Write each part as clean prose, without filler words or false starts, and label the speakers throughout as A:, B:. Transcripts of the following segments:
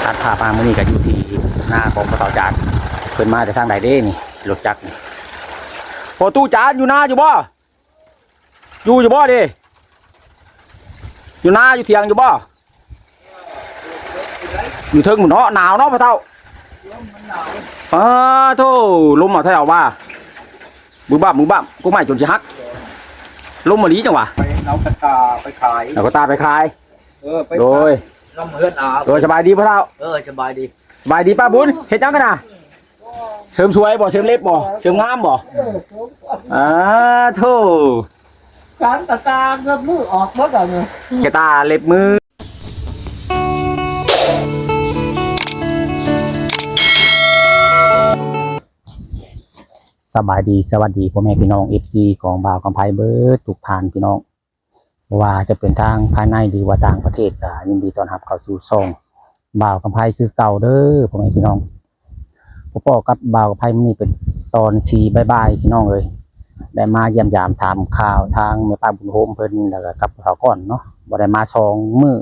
A: ตัดภาพมาเมื่อนี้ก็อยู่ที่หน้าของพระเต่าจานเพิ่นมาจากทางใดเด้นี่รถจักรนี่พอตู้จานอยู่นาอยู่บ่อยู่บ่ดิอยู่นาอยู่เถียงอยู่บ่อยู่เทิงหมุนเนาะหนาวเนาะพระเต่าโธ่ลมเอาเท่าว่ามือบ้ากูไม่จนจะฮักลมมาลีจังหวะ
B: ไปเอากระตาไปขาย
A: เอากระตาไปขาย
B: ไป
A: โดย
B: น้ำเฮือนอา
A: โดยสบายดีพ่อเฒ่า
B: สบายดี
A: สบายดีป้าบุญเฮ็ดจังกันน่ะเสริมสวยบ่เสริมเล็บบ่เสริมงามบ่โธ่
C: การกระตาเงินมือออกเมื่อก่อนเนี่ย
A: กระตาเล็บมือสบายดีสวัสดีพ่อแม่พี่น้อง FC ของบ่าวกำไพเบิร์ดทุกท่านพี่น้องว่าจะเป็นทางภายในหรือว่าต่างประเทศก็ยินดีต้อนรับเข้าสู่ช่องบ่าวกำไพคือเก่าเด้อพ่อแม่พี่น้องพ่อกับบ่าวกำไพมื้อนี้เป็นตอน4บ่ายๆพี่น้องเอ้ยได้มาเยี่ยมยามถามข่าวทางแม่ป้าบุญโฮมเพิ่นแล้วก็กับเขาก่อนเนาะบ่ได้มา2มื้อ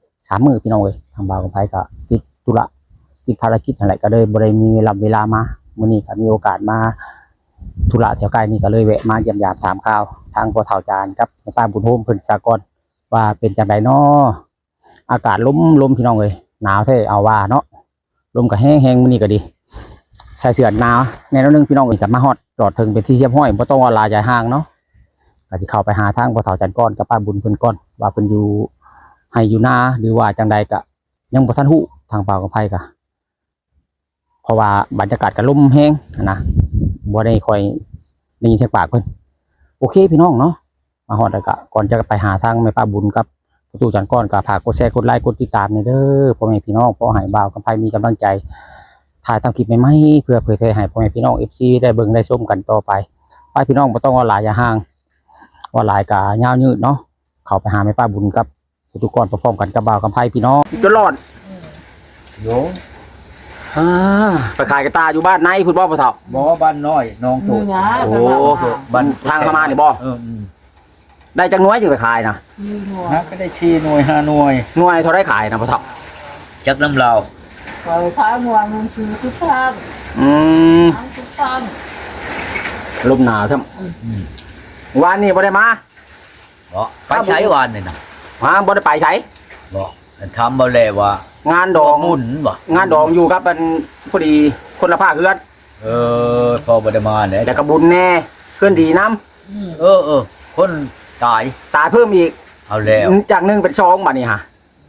A: 3มื้อพี่น้องเอ้ยทางบ่าวกำไพก็ติดธุระติดภารกิจอะไรก็เลยบ่ได้มีเวลามามื้อนี้ก็มีโอกาสมาธุระแถวใกล้นี่ก็เลยแวะมาเยี่ยมยามถามข่าวทางพ่อเฒ่าจานกับแม่ป้าบุญโฮมเพิ่นสากลว่าเป็นจังไดน้ออากาศลมพี่น้องเอ้ยหนาวแท้เอาว่าเนาะลมก็แห้งมื้อนี้ก็ดีใส่เสื้อหนาวแน่นอนนึงพี่น้องเอ้ยก็มาฮอดจอดถึงเป็นที่เรียบร้อยบ่ต้องว่าลาใจห่างเนาะก็สิเข้าไปหาทางพ่อเฒ่าจานก่อนกับป้าบุญเพิ่นก่อนว่าเพิ่นอยู่ให้อยู่นาหรือว่าจังใดก็ยังบ่ทันฮู้ทางป่าวกับไผก็เพราะว่าบรรยากาศก็ลมแห้งนะบ่ได้ค่อยได้ยินเสียงปากเพิ่นโอเคพี่น้องเนาะมาฮอดแล้วก็ก่อนจะไปหาทางแม่ป้าบุญกับประตูจันก้อนก็ฝากกดแชร์กดไลค์กดติดตามในเด้อพ่อแม่พี่น้องเพราะให้บ่าวกับไผมีกำลังใจถ่ายทำคลิปใหม่ๆเพื่อเผยแพร่ให้พ่อแม่พี่น้อง FC ได้เบิ่งได้ชมกันต่อไปไปพี่น้องบ่ต้องว่าหลายอย่าห่างว่าหลายก็ยาวยืดเนาะเข้าไปหาแม่ป้าบุญกับประตูก้อนพร้อมๆกันกับบ่าวกับไผพี่น้องจนรอด
B: โย
A: ไปขายกระตาอยู่บ้านในพุ่นบ่พ่อเฒ่า
B: บ่บ้านน้อยน้องโต
A: โอ้บ้านทางเข้ามานี่บ่ได้จักหน่วยจึงไปขายนะ
B: ก็ได้4หน่วย5หน่วย
A: หน่วยเท่าได้ขายนะพ่อเฒ่า
B: จักน้ำลาว
C: ขายหัวเงินคือทุกท่านทุกท่าน
A: ลมหนาวครับวันนี้บ่ได้มา
B: บ่ไปใช้วันนี่นะ
A: บ่ได้ไปใช้
B: บ่ทำบ่แลว่าง
A: านดอง
B: หมุนบ่
A: งานดองอยู่ครับมันพอดีคนละภาคเฮือน
B: พอบ่ได้มาเนี่ย
A: แต่กระบุญแน่เพื่อนดีน้
B: ำคนตาย
A: เพิ่มอีก
B: เอาแล้ว
A: จาก1เป็น2บัดนี้ฮะ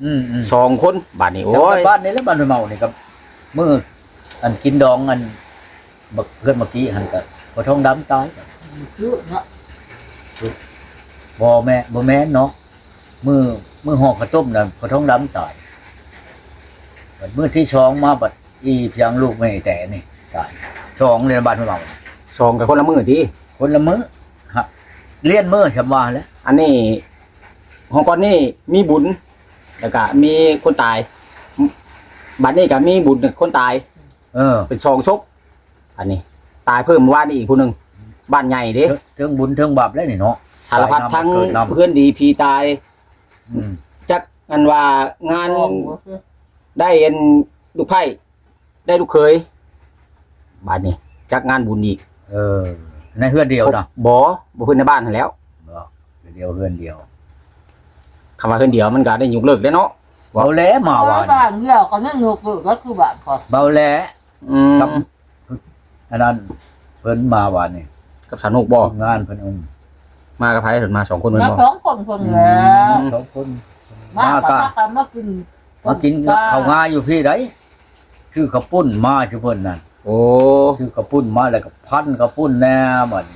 A: 2คนบัดนี้โอ้ย
B: บ้านนี้แล้วบ้านเมานี่ครับมื้ออันกินดองอันบักเพื่อนเมื่อกี้หั่นก็บ่ท้องดำตาย
C: เยอะเนาะ
B: บ่แม่นเนาะมื้อห่อข้าวต้มน่ะบ่ท้องดำตายมื้อที่2มาบัดอีเพียงลูกไม่แต่นี่ตาย2เรียนบ้านเมา
A: 2กับคนละมื้อติ
B: คนละมื้อฮะเรียนมื้อฉันว่าแล้ว
A: อันนี้ของก่อนนี่มีบุญแล้วก็มีคนตายบัดนี้ก็มีบุญคนตายเป็น2ศพอันนี้ตายเพิ่มว่านี่อีกผู้นึงบ้านใหญ่เด้
B: เทิงบุญเทิงบาปแล้วนี่เนาะ
A: สารพัดทั้งเพื่อนดีพี่ตายจักอันว่างานได้เอ็นลูกไผ่ได้ลูกเคยบ้านนี้จักงานบุญอีก
B: ในเฮือนเดียวนะ
A: บ่เพื่อนในบ้านแล้ว
B: เดียวเฮือนเดียว
A: คำว่าเฮือนเดียวมันก็ได้ยกเลิกได้เนาะ
B: เบาแหลมาว่า
C: บ้านเดียวก็นั่งยกเลิกก็คือบ้านก่อน
B: เบาแหลกับอันนั้นเพิ่นมาว่านี่
A: กับสนุกบ่
B: งานเพิ่น
A: มากับไผเพิ่นมา2คนเพิ่นบ่
C: 2คนแล้ว
B: 2คน
C: มาก็มา
B: กินข้าวงาอยู่พี่ไดคือข้าวปุ้นมาคือเพิ่นนั่น
A: โอ้
B: คือข้าวปุ้นมาแล้วก็พันข้าวปุ้นแน่บัด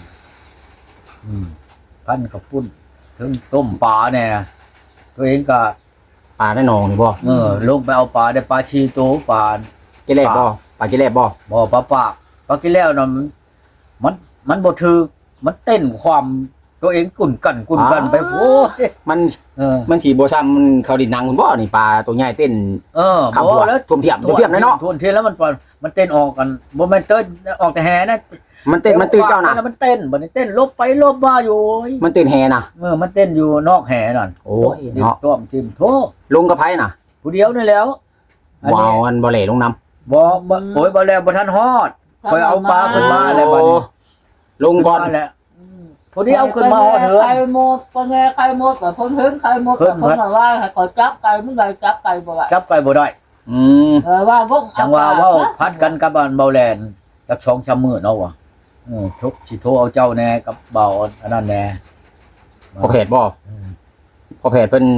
B: พันข้าวปุ้นถึงต้มปลาแน่ตัวเองก็
A: ปลาได้หนองนี่บ่
B: ลงไปเอาปลาได้ปลาชีโตปลา
A: กิเลสบ่ปลากิเลสบ่
B: ปลากิเลสน่ะมันบ่ถูกมันเต้นความตัวเองกุ่นกันไปโอ้ย
A: มันสิบ่ซ้ำมันเขาดินนางคุณบ่นี่ปลาตัวใหญ่เต้น
B: บ่แล้ว
A: ท่วมเทียมเนาะ
B: ท่วมเทียมแล้วมันเต้นออกกันบ่แม่นเต้นออกแต่แห่นะ
A: มันเต้นเจ้าน่ะ
B: แล้วมันเต้นบัดนี้เต้นลบไปลบมาอยู่
A: มันเต้นแห่น่ะ
B: มันเต้นอยู่นอกแห่นั่น
A: โอ้ยเนาะ
B: ต้มจิ้มโธ
A: ลงกับไผน่ะ
B: ผู้เดียวนี่แล้ว
A: วาวอันบ่เหล่ลงน้ำ
B: บ่โอ้ยบ่แล้วบ่ทันฮอดคอยเอาปลาขึ้นมาแล้วบัดนี้
A: ลงก่อน
B: มาแล้วผู้ที่เอาขึ้นมาฮอดเหือ
C: ไข่หมดปะแงไข่หมดแต่คนเห็นไข่หมดแต่คนว่าขอจับไก่มึงไงจับไก่บ่ว่า
B: จับไก่บ่ได้
C: ว่าวง
B: จังว่าเว้าพัดกันกับบ้านเบาแลนจักช่องชำมื้อเนาะว่ะทุกสิโทรเอาเจ้าแน่กับเบาอันนั้นแน่
A: พอเพจบ่พอเพจเพิ่น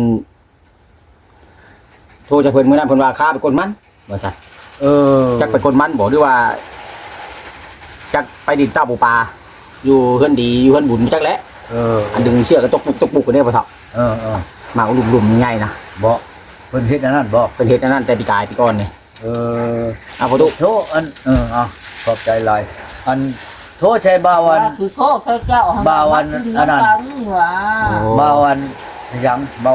A: โทรจะเพิ่นมื้อนั้นเพิ่นว่าค้าไปกดมันว่าซั่นจักไปกดมันบ่หรือว่าจักไปดินตาปูปลาอยู่เฮือนดีอยู่เฮือนบุญจักแหละอันดึงเชือกก็ตกปุกกันได้บ่เฒ่ามาหลุมๆใหญ่ๆนะ
B: บ่เพิ่นเฮ็ดอันนั้นบ่
A: เป็นเฮ็ดอันนั้นแต่ปีกายปีก่อนนี่เอาบ่ตุ
B: โทรอันขอบใจหลายอันโทรใช้บ่าวัน
C: คือโคกเจ้าว่า
B: บ่าวันยังเบา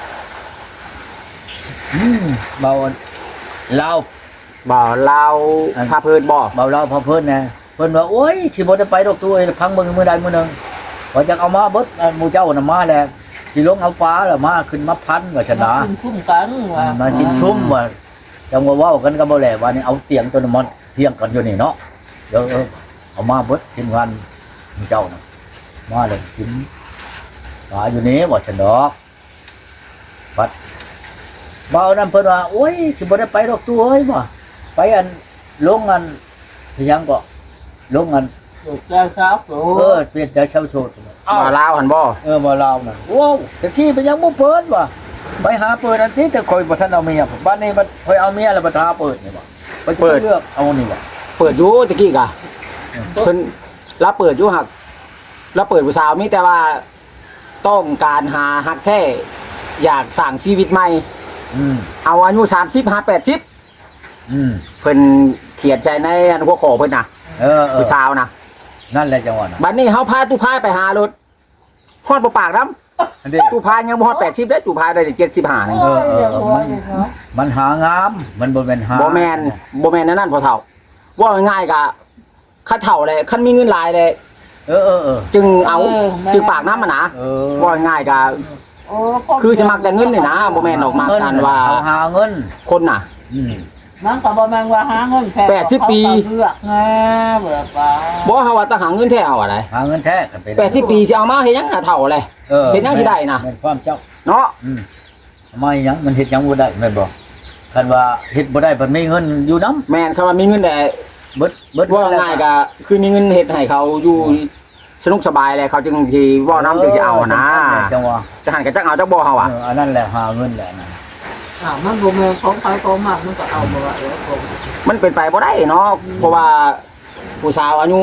B: เบาลาว
A: บ่ลาวพาเพิ่นบ่
B: เบาลาวพอเพิ่นนะเพิ่นว่าโอ้ยสิบ่ได้ไปดอกตัวพังเบิ่งมื้อใดมื้อหนึงว่าจักเอามาเบิดหมู่เจ้าน่ะมาแล้วสิลงเอาฟ้าแล้วมาขึ้นมาพันว่าชนะ
C: คุ้มกันว่า
B: มากินชุ่มว่าจังว่าเว้ากันก็บ่แลว่านี่เอาเตียงตัวนั้นมาเที่ยงกันอยู่นี่เนาะเดี๋ยวเอามาเบิดทีมงานหมู่เจ้าน่ะมาเลยกินฟ้าอยู่นี่ว่าชนะบัดเบานั่นเพิ่นว่าโอ้ยสิบ่ได้ไปดอกตัวเอ้ยบ่ไปอันลงอันยังก็ลงอัน
C: เจ้าสาวโต
B: เปลี่ยนใจเช่าโชด
A: บ่ลาวหั่นบ่
B: บ่ลาวน่ะโอ้ตะกี้ไปยังบ่เปิดว่ะไปหาเปิดอันที่แต่คอยบ่ทันเอาเมียบ้านนี้มันคอยเอาเมียแล้วบ่ทาเปิดนี่บ่ไปจะเลือกเอานี่บ่
A: เปิดอยู่ตะกี้กะเพิ่นรับเปิดอยู่หักรับเปิดผู้สาวมีแต่ว่าต้องการหาฮักแท้อยากสร้างชีวิตใหม่เอาอายุ30 50 80เพิ่นเขียนใจในอันหัวข้อเพิ่นน่ะผู้สาวน่ะ
B: นั่นแหละจังหวะน่ะ
A: บัดนี้เฮาพาตู้พายไปหารถฮอดบ่ปากนำตู้พายยังบ่ฮอด80ได้ตู้พายได้75นึง
B: มันหางามมันบ่แม่นหา
A: บ่แม่นนั่นพอเฒ่าว่าง่ายๆกะคันเฒ่าเลยคันมีเงินหลายเลยจึงเอาจึงปากน้ำมันนะว่าง่ายๆกะคือสิมักแต่เงินนี่นะบ่แม่นออกมากันว่า
B: หาเงิน
A: คนน่ะ
C: มันก็บ่แม่นว่าหาเงินแค่80 ปีเลือกแน่แบบว่า
A: บ่เฮาว่าถ้าหาเงินแท้เอาอะไร
B: หาเงินแท้กันไป
A: 80 ปีสิเอามาเฮ็ดหยังเฒ่าเลยเฮ็ดหยังสิได้น่ะ
B: แม่นความเจ้า
A: เนาะ
B: ไม่หยังมันเฮ็ดหยังบ่ได้แม่นบ่คันว่าเฮ็ดบ่ได้เพิ่นมีเงินอยู่นำ
A: แม่นคำว่ามีเงินแต่
B: เบิด
A: ว่าง่ายก็คือมีเงินเฮ็ดให้เขาอยู่สนุกสบายแหละเขาจึงสิเว้านำจึงสิเอานะ
B: จังว่า
A: จะหันก็จักเอาจักบ่เฮาอ่ะ
B: อันนั้นแหละหาเงินแหละนะ
C: มันบ่แม่นของใครของมันมันก็เอาบ่ว่า
A: มันเป็นไปบ่ได้เนาะเพราะว่าผู้สาวอายุ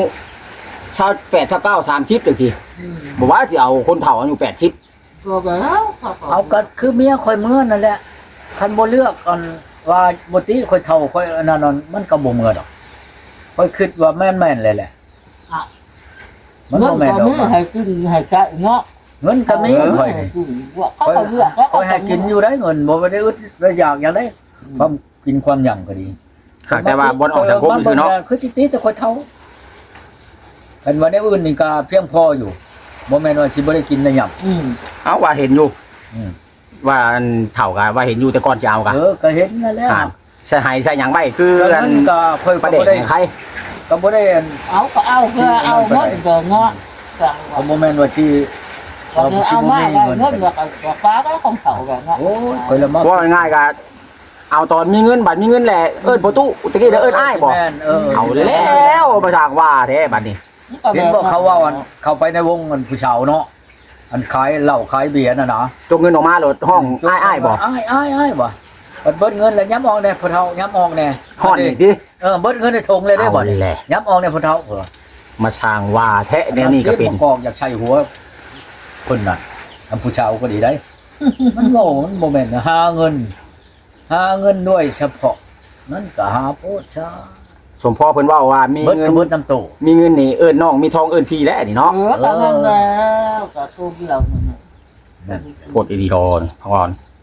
A: 28 29 30จังซี่บ่ว่าสิเอาคนเฒ่าอายุ80
C: ก็แล้ว
B: เอาก็คือเมียข่อยเมื่อนั่นแหละคันบ่เลือกอันว่าบ่ติข่อยเฒ่าข่อยอันนั้นมันก็บ่เมื่อดอกข่อยคิดว่าแม่นๆเลยแหละมันบ่แม่นดอก
C: ให้กินให้ใช้เนาะ
B: เงินก็มีข่อยนี่
C: เขาก็เลือก
B: ข่อยให้กินอยู่ได้เงินบ่ได้อึดได้อยากอย่างได้ความกินความหยังก็ดี
A: หากแต่ว่าบ่ออกสังคมซื่อเนาะ
B: คือสิติแต่ข่อยเฒ่าคันว่าได้อื่นนี่ก็เพียงพออยู่บ่แม่นว่าสิบ่ได้กินได้หยัง
A: เอาว่าเห็นอยู่ว่าอันเฒ่าก็ว่าเห็นอยู่แต่ก่อนสิเอาก็
B: ก็เห็นนั่นแหละ
A: ใส่ให้ใส่หยังไว้คืออัน
B: ก็ค่อย
A: ประ
B: บ่
A: เด็
B: ได้
A: นใคร
B: ก็บ่ได้
C: เอาก็เอาเพื่อเอาเงินก็เนาะ
B: เอาบ่แม่นว่าสิ
C: เอามาได้เงินก็ฟ้าก็ของเขากันเนาะ
B: โอ้ยข่อยละมา
A: ว่าง่ายๆก็เอาตอนมีเงินบัดมีเงินแหละเอิ้นประตูตะกี้เอิ้นอ้ายบ่
B: แม่น
A: เอาแล้วบ่ทางว่าแท้บัดนี้
B: เห็นบ่เขาว่าอันเข้าไปในวงอันผู้ชาวเนาะอันขายเหล้าขายเบียร์น่ะนะ
A: จกเงินออกมาโหลดห้องอ้ายบ่
B: อ้ายบ่เบิดเงินแล้วย้ำออกแน่พ่อเฒ่าย้ำออกแน่
A: ฮ้อนอีกดิ
B: เบิดเงินในทงเลยได้บ่
A: เอาแหละ
B: ย้ำออกแน่พ่อเฒ่า
A: มาสร้างว่าแท้แนวนี้ก็เป็น
B: กองอยากใช้หัวคนน่ะอันผู้ชาวก็ดีได้ มันโง่มันบ่แม่นหาเงินด้วยเฉพาะนั่นก็หาโพดชา
A: สมพ่อเพิ่นเว้าว่ามี
B: เบิด
A: เงิน
B: เบิดน้ำโต
A: มีเงินนี่เอิ้นน้องมีทองเอิ้นพี่แล้วนี่เนาะ
C: ก็นั่นแล้วก็ตู้เดียวนั่น
A: โพดอีดีดอนพอน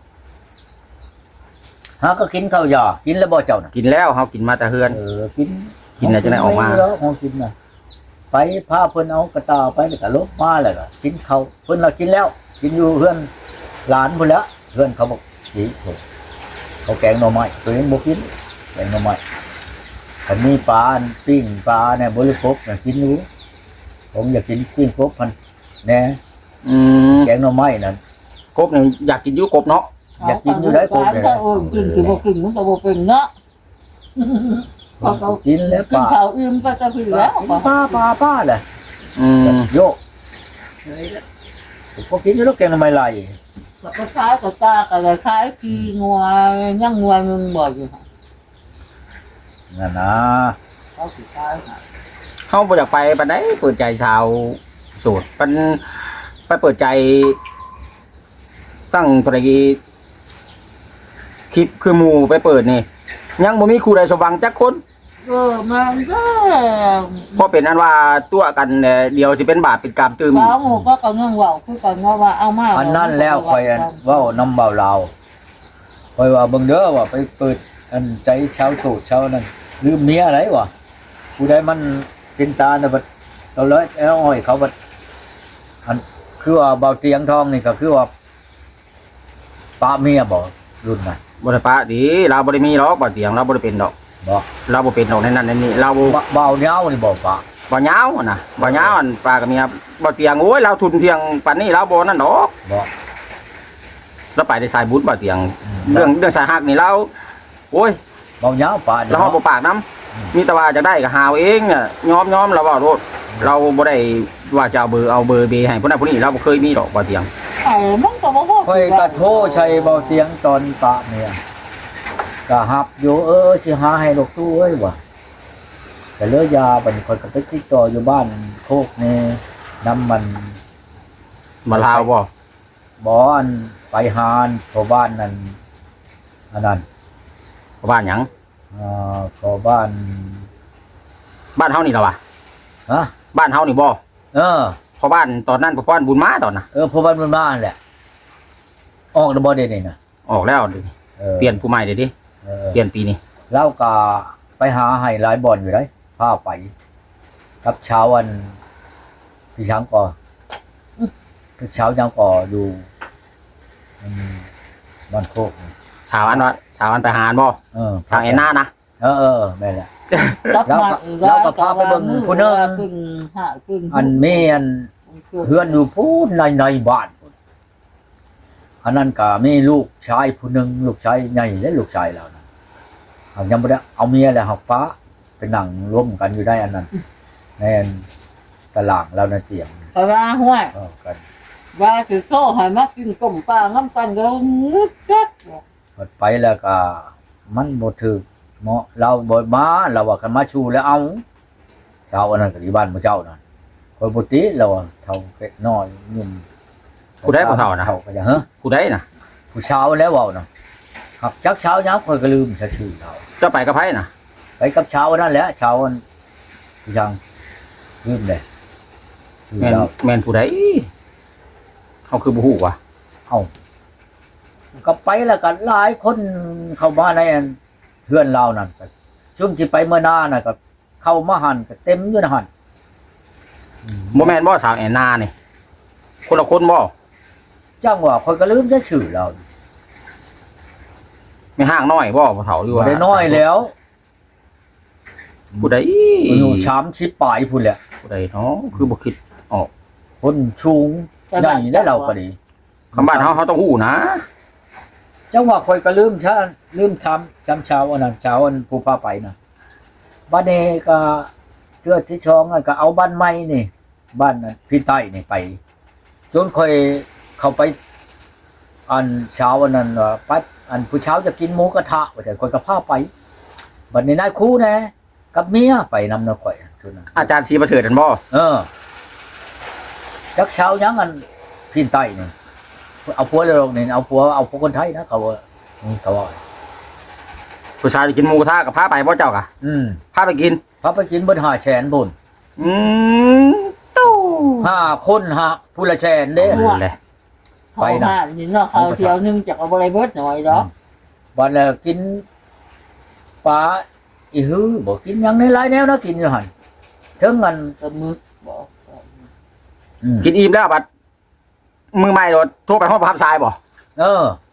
B: หาก็กินข้าวยากินแล้วบ่เจ้าน่ะ
A: กินแล้วเฮากินมาแต่เฮือน
B: กิน
A: กินแล้วจะได้ออกมา
B: แล้วของกินน่ะไปพาเพิ่นเอากระตาไปแล้วก็ลบมาแล้วก็กินข้าวเพิ่นเรากินแล้ว กินอยู่เฮือนหลานพุ่นแล้วเฮือนเขาบอกสิโถเขาแกงหน่อไม้ตัวเองบ่กินแกงหน่อไม้ถ้ามีปลาปิ้งปลาเนี่ยบริโภคกินรู้ผมอยากกินปิ้งกบพันแน่แกงหน่อไม้นั่น
A: กบเนี่ยอยากกินอยู่กบเนาะ
B: อยากกินอยู่ได้กบเนี่ย
C: กินคือบ่กินมันก็บ่เป็นเนาะ
B: กินแล้ว
C: กินข้าวอิ่มก็จะคือแล้ว
B: ป้าแหละโยกพอกินอยู่แล้วแกงหน่อไม้ไหล
C: ก็คล้ายกับตาก็เลยคล้ายขี้งัวยังงัวมึงบ่อยู่
B: นั่นนะ
C: เขาสิคล้ายค่ะ
A: เขาบ่อยากไปปานใดเปิดใจชาวโสดมันไปเปิดใจตั้งตระกี้คลิปคือหมู่ไปเปิดนี่ยังบ่มีครูใดสว่างจักคน
C: มันก็
A: เพราะเป็นอันว่าตัวกันเดียวสิเป็นบาปเป็นกรรมตื่ม
C: เว้าหมู่ก็ก็ยังเว้าคือกันว่าเอามา
B: อันนั้นแล้วคอยเว้าน้ำเบาเราคอยว่าเบิ่งเด้อว่าไปเปิดอันใจชาวโสดชาวนั้นลืมเมียอะไรวะผู้ใดมันเป็นตาเนี่ยบัดเราเลยเอาอ้อยเขาบัดอันคือว่าเบาเตียงทองนี่ก็คือว่าปะเมียบ่รุ่นน่ะ
A: บ่ได้ปะดีเราบ่ได้มีหรอกบ่เตียงเราบ่ได้เป็นดอก
B: บ่
A: เราบ่เป็นดอกในนั้นในนี้เรา
B: เบาเหย้านี่บ่ปะ
A: บ่ยาวอะนะบ่ยาวอันปลากับเมียบ่เตียงโอ้ยเราทุนเที่ยงปานนี้เราบ่นั่นดอก
B: บ่
A: เราไปได้สายบุญบ่เตียงเรื่องสายฮักนี่เราโอ้ย
B: เบาเหย้าปะ
A: เราเฮาบ่ปากนํมีแต่ว่าจะได้ก็หาเอาเองน่ะยอมเราเว้าโลดเราบ่ได้ว่าจะเอาเบอร์เบให้ผู้นั้นผู้นี้เราบ่เคยมีดอกบ่เตียง
C: ไอ้มันก็บ่พอ
B: คอยกระโทใช้เบาเตียงตอนปะเนี่ยก็ฮับอยู่สิหาให้ลูกตู้เอ้ยว่ะแต่เลือยาบัดนคอยก็ไปติดต่ออยู่บ้านโคกนี่น้ำมัน
A: บ่ลาวบ่
B: บ่อันไปหานพอบ้านนั่นอันนั้น
A: บ้านหยัง
B: พอบ้าน
A: บ้านเฮานี่ล่ะวะ
B: ฮะ
A: บ้านเฮานี่บ่
B: เออ
A: พอบ้านตอนนั้นพอบ้านบุญมาตอนน่ะ
B: พอบ้านมันบ้านแหละออกแล้วบ่ได้นี่นะ
A: ออกแล้วดิ เปลี่ยนผู้ใหม่เดี๋ยวดิเปลี่ยนปีนี้
B: เล่าก็ไปหาให้หลายบ่อนอยู่ได้พาไปกับเช้าวันพี่ช้างก่อพี่เช้าช้างก่ออยู่บ้านโคกนี่
A: สาวอันไปหารบ่ สาวแอนนานะ
B: แม่นแหละ
C: แล้วก็พาไปเบิ่งผู้นึง
B: อันมีอันเฮือนอยู่พูดในบ้านอันนั้นก็มีลูกชายผู้หนึงลูกชายใหญ่และลูกชายเรานะยังบ่ได้เอาเมียแล้วหักฟ้าไปนั่งร่วมกันอยู่ได้อันนั้นในตารางเราในเตียง
C: ไปว่าห้วย
B: กัน
C: ว่าคือโซ่ให้มากินต้มปลาน้ำกันก็งึดกัด
B: หมดไปแล้วก็มันบ่ถึกเหมาะเราบ่มาเราว่ากันมาชูแล้วเอาชาวอันนั้นก็ที่บ้านพระเจ้านั่นคนปกติเราเฒ่าแก่น้อยนุ่ม
A: ผู้ได้ผู้เฒ่านะ
B: เฒ่าก็จะเฮ้อ
A: ผู้ได้นะ
B: ผู้เช้าแล้วเว้าน่ะครับจักเช้ายับค่อยก็ลืมชื่อเรา
A: เจ้าไปกับไผน่ะ
B: ไปกับเช้านั่นแหละเช้าอันพี่ช่างลืมเลยชื่อ
A: แม่น
B: เรา
A: แม่นผู้ใดเขาคือบ่ฮู้ว่ะ
B: เอาก็ไปแล้วก็หลายคนเข้ามาในอันเพื่อนเรานั่นก็ช่วงที่ไปเมื่อหน้าน่ะก็เข้ามาหันก็เต็มอยู่นะหัน
A: บ่แม่นบ่สาวแอนนานี่คนละคนบ่
B: จ้างว่าคนก็ลืมจะชื่อเรา
A: ไม่ห่างน้อยบ่ผู้เฒ่าอยู่
B: บ่
A: ว่า
B: ได้น้อยแล้ว
A: ผู้ใด
B: อยู่ชามชิปปลายพุ่นแหละ
A: ผู้ใดเนาะคือบ่คิด
B: คนชูงใหญ่ได้เราก็ดี
A: คำบ้านเฮาต้องฮู้นะ
B: จังว่าคอยก็ลืมทำจำเช้าอันนั้นเช้าอันผู้พาไปนะบ้านเนก็เทือที่ช่องอันก็เอาบ้านใหม่นี่ บ้านพี่ใต้นี่ไป จนค่อยเข้าไป อันเช้าอันนั้นว่าปั๊บอันผู้เช้าจะกินหมูกระทะว่าแต่คนก็พาไปบัดนี้นายครูแน่กับเมียไปนำนะข่อยทุนนั้น
A: อาจารย์ศรีประเสริฐนั่นบ่
B: จักเช้ายังอันพี่ใต้นี่เอาผัวเลยนี่เอาผัวคนไทยนะเขาว่านี่เขาว่า
A: ผู้ชายจะกินหมูกระทะกับพาไปบ่เจ้ากะพาไปกิน
B: พาไปกินเบิด5แสนพุ่น
A: ตู้
B: 5คนผู้ละแสนเด้
A: นั่นแหละ
C: ไปนะนี่เนาะเขาเที่ยวนึงจากเอาบ่ได้เบิดหน่อยดอก
B: บัดแล้วกินปลาอีหือบ่กินหยังในหลายแนวนะกินอยู่หั่นถึงอัน
C: กับมึกบอก
A: กินอิ่มแล้วบัดมือใหม่โดดโทรไปห้องประทับทรายบ่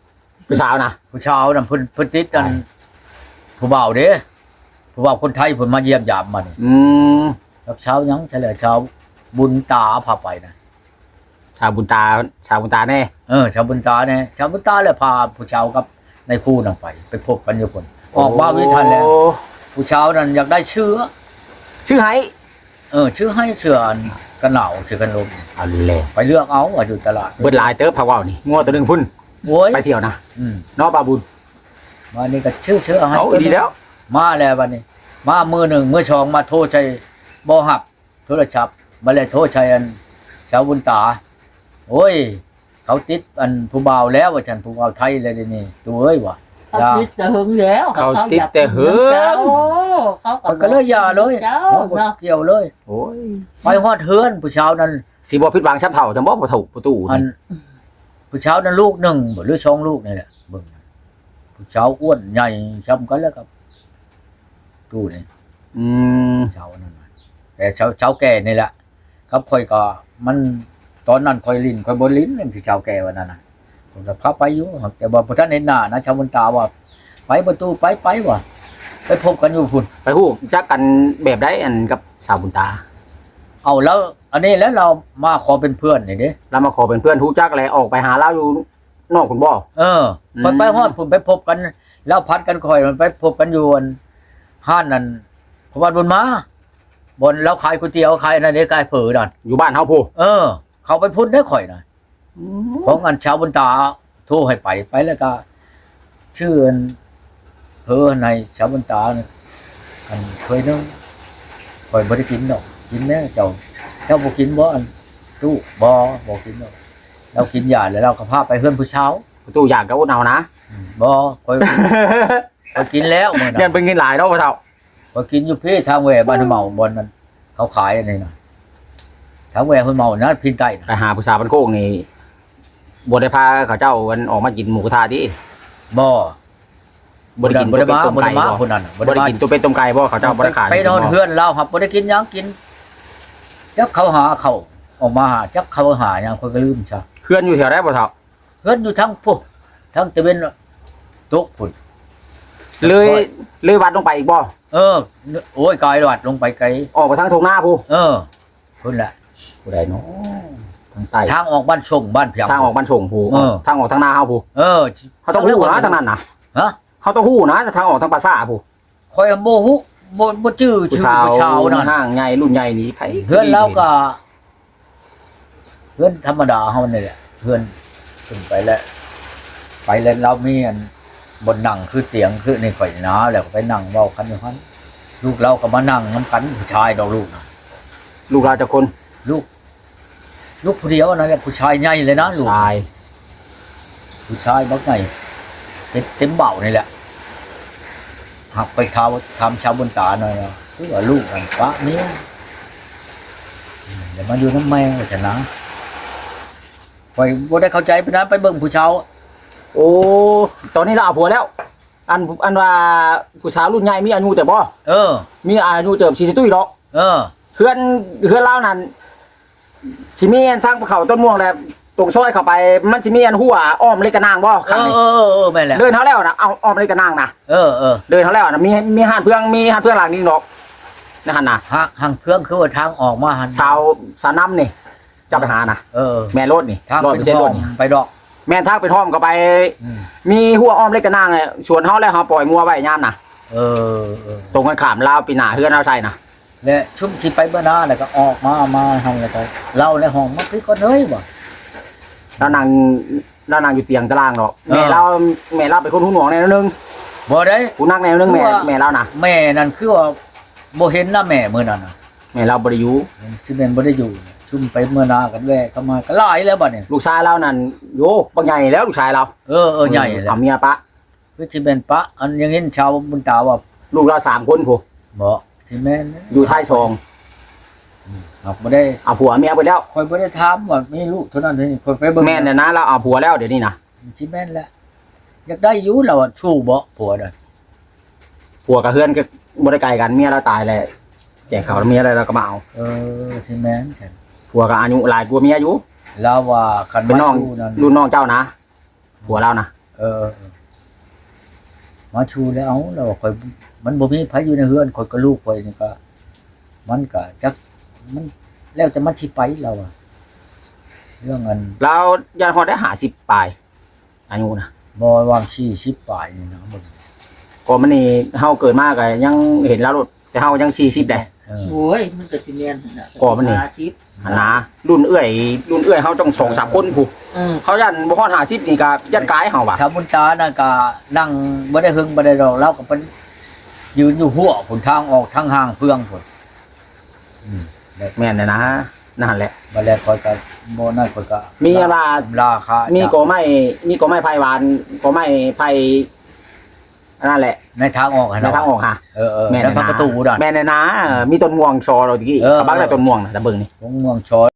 A: ผู้สาวนะ
B: ผู้ชาวน่ะเพิ่นติดกันผู้บ่าวเด้ผู้บ่าวคนไทยเพิ่นมาเยี่ยมยามมานี่ รับเช้ายังเฉลยเช้าบุญตาพาไปนะ
A: ชาวบุญตาแน่
B: ชาวบุญตาเนี่ยชาวบุญตาเลยพาผู้ชาวกับในคู่นั่งไปพบกันอยู่คนออกมาวิทันแล้วผู้ชาวนั้นอยากได้เชื้อ
A: ชื่อไห้
B: ชื่อให้เชื้ออันกันหนาวเชื้อกันลม
A: เอาเลย
B: ไปเลือกเอาอยู่ตลาด
A: เบิดหลายเติบพะว่าวนี่งัวตัวหนึงพุ่น
B: โว้ย
A: ไปเที่ยวนะ
B: ม
A: เนาะบาบุญ
B: วันนี้ก็ชื่อให้
A: เอาดีแล้ว
B: มาแล้ววันนี้ มามือหนึ่งมือสองมาโทษใจบ่หับโทรศัพท์มาเลยโทษใจอันชาวบุญตาโอ้ยเขาติดอันผู้บ่าวแล้วว่าฉันผู้บ่าวไทยเลยเดี๋ยวนี่ตัวเอ้ยว่ะ
C: เขาติดแต่หึงแล้ว
A: เขาติดแต่หึง
B: มันก็เลยอย่าเลย
C: เจ้า
B: บ่
C: เนาะ
B: เกี่ยวเลย
A: โอ้ย
B: ไปฮอดเฮือนผู้ชาวนั้น
A: สิบ่ผิดหวังช้ำเท่าจังบ่บ่ถูกประตู
B: อัน
A: นี่
B: ผู้ชาวนั้นลูกหนึ่งบ่หรือสองลูกนี่แหละเบิ่งผู้ชาวอ้วนใหญ่ช้ำกันแล้วครับตู้นี่
A: อืม
B: ชาวนั่นน่ะแต่ชาวแก่นี่แหละครับค่อยก็มันตอนนั้นค่อยลิ้นค่อยบ่ลิ้นนั่นคือชาวแก่วันนั้นน่ะผมก็พาไปอยู่แต่ว่าบ่ทันเห็นหน้านะชาวบุญตาว่าไปประตูไปว่ะไปพบกันอยู่พุ่น
A: ไปฮู้จักกันแบบใดอันกับสาวบุญตา
B: เอาแล้ว อันนี้แล้วเรามาขอเป็นเพื่อนนี่เด้
A: เรามาขอเป็นเพื่อนฮู้จักแล้วออกไปหาเราอยู่นอกคุณบ่
B: ไปฮอดพุ่นไปพบกันแล้วพัดกันค่อยมันไปพบกันอยู่อันห้านนั่นพระบาทบุญมาบนแล้วขายก๋วยเตี๋ยวขายนั่นเด้ขายเผอนั่น
A: อยู่บ้านเฮาผู้
B: เขาไปพุ่นได้ข่อยน่ะของอันชาวบุญตาโทรให้ไปแล้วก็ชื่ออันในชาวบุญตาเนี่ยอันเคยนึงข่อยบ่ได้กินดอกกินแน่เจ้าบ่กินบ่อันตู้บ่กินดอกเรากินยาแล้วเราก็พาไปเฮือนผู้เช้า
A: ประตูอยากกับอุดเอานะ
B: บ่ข่อยกินแล้วมื้อ
A: เงิ
B: นั้น
A: นเป็นเงินหลายเนาะพ่อเฒ่า
B: ข่อยกินอยู่พี่ทางแหวบ้านห้วยเมาบนนั้นเขาขายอันนี้น่ะทางแหวห้วยเมานะพินใต้น่ะ
A: ไปหาผู้สาวบ้านโคกนี่บ่ได้พาเขาเจ้ากันออกมากินหมูกระทะดิ
B: บ่
A: บ่ได้กิน
B: บ่ได้มา
A: ต้ม
B: บ่
A: ไก่
B: ได้มา
A: บ่
B: คนนั้นน่ะ
A: บ่ได้กินตัวเป็นต้มไก่บ่เขาเจ้าบ่ได้ขาย
B: ไปนอนเฮือนเราครับบ่ได้กินหยังกินจักเขาหาเขาออกมาหาจักเขาหาหยังคนก็ลืมซะ
A: เพื่อนอยู่แถวใดบ่เฒ่า
B: เฮือนอยู่ทั้งพุ่นทั้งตะเวนตกพุ่น
A: เลยวัดลงไปอีกบ่
B: โอ้ยกายหวัดลงไปไกล
A: ออกไปทางทงหน้าผู้
B: พุ่นแหละ
A: ผู้ใดเนาะทางใต้
B: ทางออกบ้านชงบ้านเพียง
A: ทางออกบ้านชงผู้ ทางออกทางหน้าเฮาผู้ เขาต้องฮู้นะทางนั้นนะ
B: ฮะ
A: เขาต้องฮู้นะทางออกทางปราสาทผู้
B: คอยโมหุบ่ชื่อ
A: ผู้
B: ชื่อ
A: สาว
B: ผู้ชาวนั่น
A: ห้างใหญ่รุ่นใหญ่นี้ไผ
B: เพื่อนเราก็เพื่อนธรรมดาเฮานี่แหละเพื่อนขึ้นไปแล้วเรามีอันบนนั่งคือเตียงคือในข่อยหนาแล้วก็ไปนั่งเว้ากันอยู่หั่นลูกเราก็มานั่งนํกันผู้ชายดอกลูกนะ
A: ลูกเราจะคน
B: ลูกผู้เดียวนั่นแหละผู้ชายใหญ่เลยนะลูก
A: ชาย
B: ผู้ชายบักใหญ่เต็มเบ้านี่แหละหักไปทำชาวบนตาหน่อยนะคือว่าลูกกันปะเนี้ยเดี๋ยวมาอยู่น้ำแม่ว่าจะนะไปบ่ได้เข้าใจไปนะไปเบิ่งผู้ชาว
A: โอ้ตอนนี้เราเอาผัวแล้ว อันว่าผู้สาวรุ่นใหญ่มีอายุแต่บ่ มีอายุเติบ40ตุ้ยดอกเพื่อนเล่านั่นสิมีทางเขาต้นม่วงแล้วตรงซอยเข้าไปมันสิมีอันหัวอ้อมเล็กกระนางบ่ข้างนี้
B: แม่นแหละ
A: เดินเท่าแล้วนะเอาอ้อมเล็กกระนางนะเดินเท่าแล้วนะมีห้านเพื่องหลังนี้ดอกนะหั่นน่ะ
B: ห่างเพื่องคือว่าทางออกมาหัน
A: สาวน้ำนี่จะไปหานะแม่รถนี่
B: ทาง
A: รถ
B: เป็
A: ไม่
B: น
A: ใช่
B: ห้
A: ร
B: อ
A: ถ
B: ง
A: นี่
B: ไปดอก
A: แม่นทางไปท่อมก็ไป มีหัวอ้อมเล็กกระนางเนี่ยสวนเฮาแล้วเฮาปล่อยงัวไว้ยามน่ะตรงกันข้ามลาวปีหน้าเฮือนเอาใส่น่ะ
B: และชุ่มที่ไปเมื่อหน้าแล้วก็ออกมาทำอะไรกันเล่าในห้องมันคือก็เฮ้ยบ่
A: แล้วนางอยู่เตียงตารางดอกแม่เราเป็นคนหูหนวกแนวนึง
B: บ่ได้
A: ผู้นักแนวนึงแม่เราน่ะ
B: แม่นั่นคือว่าบ่เห็นหน้าแม่มื้อนั้นน่ะ
A: แม่เราบ่ได้อยู่
B: คือแม่นบ่ได้อยู่ชุ่มไปเมื่อหน้ากันแวะเข้ามาก็หลายแล้วบัดนี้
A: ลูกชายเรานั่นโยบักใหญ่แล้วลูกชายเรา
B: ใหญ่แล้ว
A: เอาเมียปะ
B: คือที่เป็นปะอันยังเห็นชาวบุญตาว่า
A: ลูกเรา3คนผู้
B: บ่ที่แม่น
A: อยู่ท้ายซอง
B: ครับบ่ได้
A: เอาผัวเมียไปแล้ว
B: ค่อยบ่ได้ถามว่ามีลูกเท่านั้นเท่านี้ค่อยไปเบิ่ง
A: แม่นน่ะนะเราเอาผัวแล้วเดี๋ยวนี้นะ
B: ที่แม่นแล้วอยากได้อยู่แล้วอะชู้บ่ผัวน่ะ
A: ผัวกับเพื่อนก็บ่ได้ไกลกันเมียเราตายแล้วแจกเขาวเมียอะไรเราก็มาเอา
B: ที่แม่นฉัน
A: ผัวก็อายุหลายกว่าเมียอยู่
B: แล้วว่าคัน
A: เป็นน้อง
B: ชู้นั่น
A: รุ่นน้องเจ้านะผัวเรานะ
B: มาชูแล้วเอาแล้วข่อยมันบ่มีไผอยู่ในเฮือนข่อยก็ลูกข่อยนี่ก็มันก็จักมันแล้วจะมันสิไปเราอะเรื่องเงิน
A: เรายันฮอดได้50ปลายอายุนะ
B: บ่วาง40ปลายนี่นะมึง
A: ก็มันนี่เฮาเกิดมาก็ยังเห็นแล้วรถแต่เฮายัง40ได้
C: โอ้ยมันก็สิแม่นน่ะ
A: ก่อมันนี่
C: 50
A: หันนะรุ่นเอื้อยเฮาต้อง2-3คนผู้เขายันบ่ฮอด50นี่ก็ยันกายเฮาว่ะ
B: ชาวบุญตานั่นก็นั่งบ่ได้หึงบ่ได้ดอกเราก็เป็นยืนอยู่หัวผลทางออกทางห่างเฟืองพุ่น
A: แม่นเลยนะนั่นแหละ
B: บัดแล้วข่อยก็บ่นั่นข่อยก็
A: มีว่า
B: ราคา
A: มีกอไม้ไผ่หวานกอไม้ไผ่นั่นแหละ
B: ในทางออกหั่น
A: ใน
B: เนาะ
A: ทางออกค่ะ
B: แม่นแล้วประตูนั่น
A: แม่นเลยนะมีต้นม่วงชอเราตะกี้
B: เออ
A: กระบังได้ต้นม่วงนะตะเบิ่งนี่
B: ของเมืองชอย